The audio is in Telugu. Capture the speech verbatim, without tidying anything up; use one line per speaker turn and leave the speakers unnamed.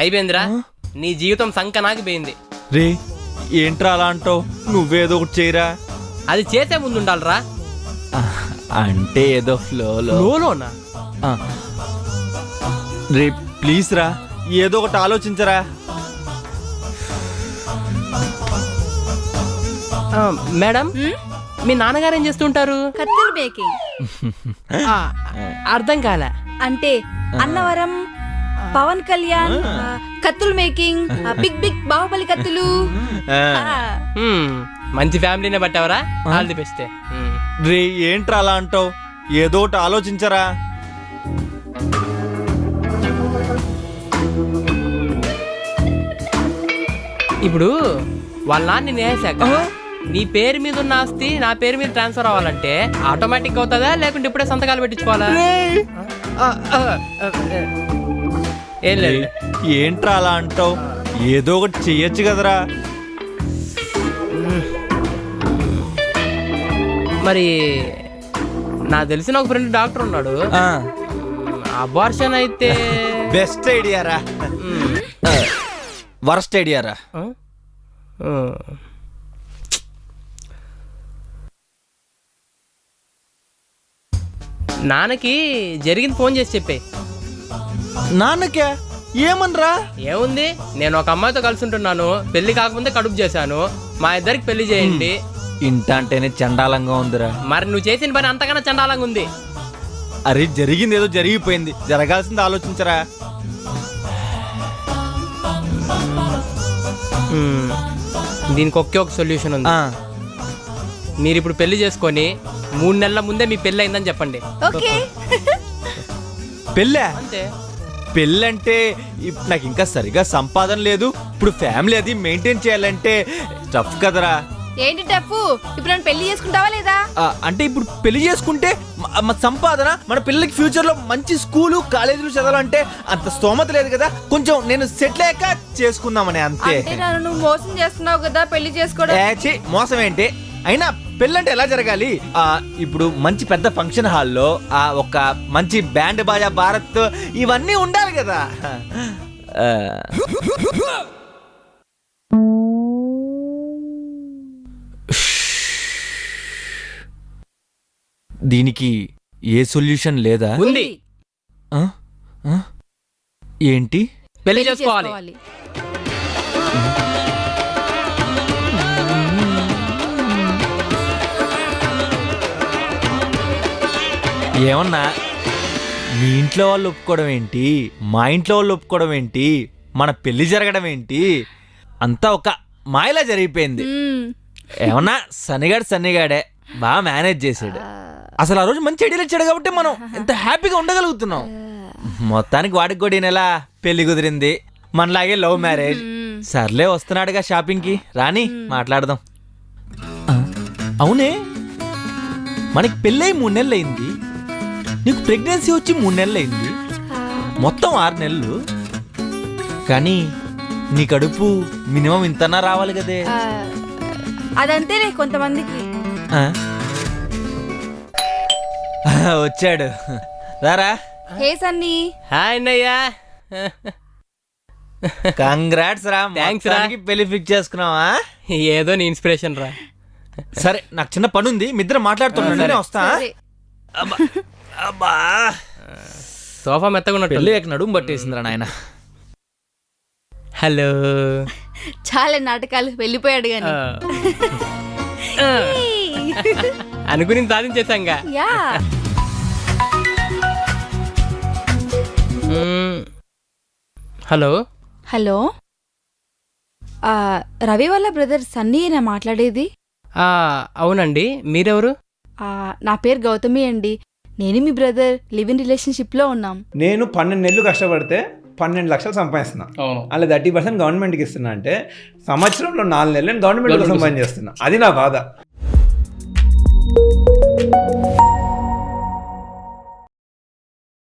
అయిపోయిందిరా, నీ జీవితం సంకనాకి పోయింది.
రే ఏంట్రా అలా అంటావు? నువ్వేదో ఒకటి చేయరా.
అది చేసే ముందు ఉండాలిరా.
అంటే ఏదో ఫ్లోలో
లోలోనా?
రే ప్లీజ్ రా, ఏదో ఒకటి ఆలోచించరా.
మేడం, మీ నాన్నగారు ఏం చేస్తుంటారు?
కత్తులు మేకింగ్.
అర్థం కాలే.
అంటే అన్నవరం పవన్ కళ్యాణ్ కత్తులు మేకింగ్, బిగ్ బిగ్ బాహుబలి కత్తులు.
మంచి ఫ్యామిలీనే బట్టావరా, ఆల్ ది బెస్ట్.
రే ఏంట్రా అలా అంటావు? ఏదో ఒకటి ఆలోచించరా.
ఇప్పుడు వాళ్ళ నాన్న నేసాక నీ పేరు మీద ఉన్న ఆస్తి నా పేరు మీద ట్రాన్స్ఫర్ అవ్వాలంటే ఆటోమేటిక్ అవుతుందా, లేకుంటే ఇప్పుడే సంతకాలు పెట్టించుకోవాలా? ఏం లేదు.
ఏంట్రా అలా అంటావు? ఏదో ఒకటి చెయ్యొచ్చు కదరా.
మరి నాకు తెలిసిన ఒక ఫ్రెండ్ డాక్టర్ ఉన్నాడు. అబార్షన్ అయితే
బెస్ట్ ఐడియా రా, వర్స్ట్ ఐడియా రా.
నాన్నకి జరిగింది ఫోన్ చేసి చెప్పే.
నాన్నకే ఏమనరా?
ఏముంది, నేను ఒక అమ్మాయితో కలిసి ఉంటున్నాను, పెళ్లి కాకముందే కడుపు చేశాను, మా ఇద్దరికి పెళ్లి చేయండి.
ఇంట అంటేనే చండాలంగా ఉందిరా.
మరి నువ్వు చేసిన పని అంతకన్నా చండాలంగా ఉంది.
అరే జరిగింది ఏదో జరిగిపోయింది, జరగాల్సింది ఆలోచించరా.
దీనికి ఒకే ఒక సొల్యూషన్ ఉంది. మీరు ఇప్పుడు పెళ్లి చేసుకొని మూడు నెలల ముందే మీ పెళ్లి అయిందని చెప్పండి.
పెళ్ళా?
అంతే.
పెళ్ళంటే నాకు ఇంకా సరిగా సంపాదన లేదు, ఇప్పుడు ఫ్యామిలీ అది మెయింటైన్ చేయాలంటే టఫ్ కదరా.
ఏంటి టఫ్? ఇప్పుడు నన్ను పెళ్లి చేసుకుంటావా లేదా?
అంటే ఇప్పుడు పెళ్లి చేసుకుంటే సంపాదన, మన పిల్లలకి ఫ్యూచర్ లో మంచి స్కూలు కాలేజీలు చదవాలంటే అంత స్తోమత లేదు కదా. కొంచెం నేను సెటిల్ అయ్యాక చేసుకుందామని అంతే.
నువ్వు మోసం చేస్తున్నావు కదా పెళ్లి చేసుకోవడం.
మోసం ఏంటి? అయినా పెళ్ళంటే ఎలా జరగాలి? ఆ ఇప్పుడు మంచి పెద్ద ఫంక్షన్ హాల్లో ఆ ఒక మంచి బ్యాండ్ బాజా భారత్ ఇవన్నీ ఉండాలి కదా. దీనికి ఏ సొల్యూషన్ లేదా?
ఉంది.
ఏంటి?
పెళ్లి చేసుకోవాలి.
ఏమన్నా మీ ఇంట్లో వాళ్ళు ఒప్పుకోవడం ఏంటి, మా ఇంట్లో వాళ్ళు ఒప్పుకోవడం ఏంటి, మన పెళ్లి జరగడం ఏంటి, అంతా ఒక మాయలా జరిగిపోయింది. ఏమన్నా సన్నిగాడు సన్నిగాడే బాగా మేనేజ్ చేసాడు. అసలు ఆ రోజు మంచి ఐడియాలు ఇచ్చాడు కాబట్టి మనం ఎంత హ్యాపీగా ఉండగలుగుతున్నాం. మొత్తానికి వాడికి కూడా ఈ నెల పెళ్లి కుదిరింది, మనలాగే లవ్ మ్యారేజ్. సర్లే వస్తున్నాడుగా షాపింగ్ కి, రాని మాట్లాడదాం. అవునే, మనకి పెళ్ళయి మూడు నెలలు అయింది, నీకు ప్రెగ్నెన్సీ వచ్చి మూడు నెలలు అయింది, మొత్తం ఆరు నెలలు. కానీ నీ కడుపు మినిమం ఇంతనా రావాలి కదే.
అదంతేలే కొంతమందికి.
వచ్చాడు రారా.
హే సన్నీ.
హాయ్ అన్నయ్యా.
కంగ్రాట్స్ రా.
థ్యాంక్స్ రా.
పెళ్లి ఫిక్స్ చేసుకున్నావా?
ఏదో నీ ఇన్స్పిరేషన్ రా.
సరే నాకు చిన్న పని ఉంది, మీ ఇద్దరు మాట్లాడుతున్నా వస్తా. అబ్బా
సోఫా మెత్తగా ఉన్నట్టు
పెళ్ళి నడుము పట్టేసిందిరా నాయన.
హలో.
చాలా నాటకాలు, వెళ్ళిపోయాడు గాని
అనుకుని సాధించేసాంగా. హలో.
హలో, రవి వాళ్ళ బ్రదర్ సన్నీనా మాట్లాడేది?
అవునండి, మీరెవరు?
నా పేరు గౌతమి అండి. నేను మీ బ్రదర్ లివ్ ఇన్ రిలేషన్షిప్ లో ఉన్నాం.
నేను పన్నెండు నెలలు కష్టపడితే పన్నెండు లక్షలు సంపాదిస్తున్నా, అలా థర్టీ పర్సెంట్ గవర్నమెంట్కి ఇస్తున్నా. అంటే సంవత్సరంలో నాలుగు నెలలు నేను గవర్నమెంట్ కోసం పని చేస్తున్నా. అది నా బాధ.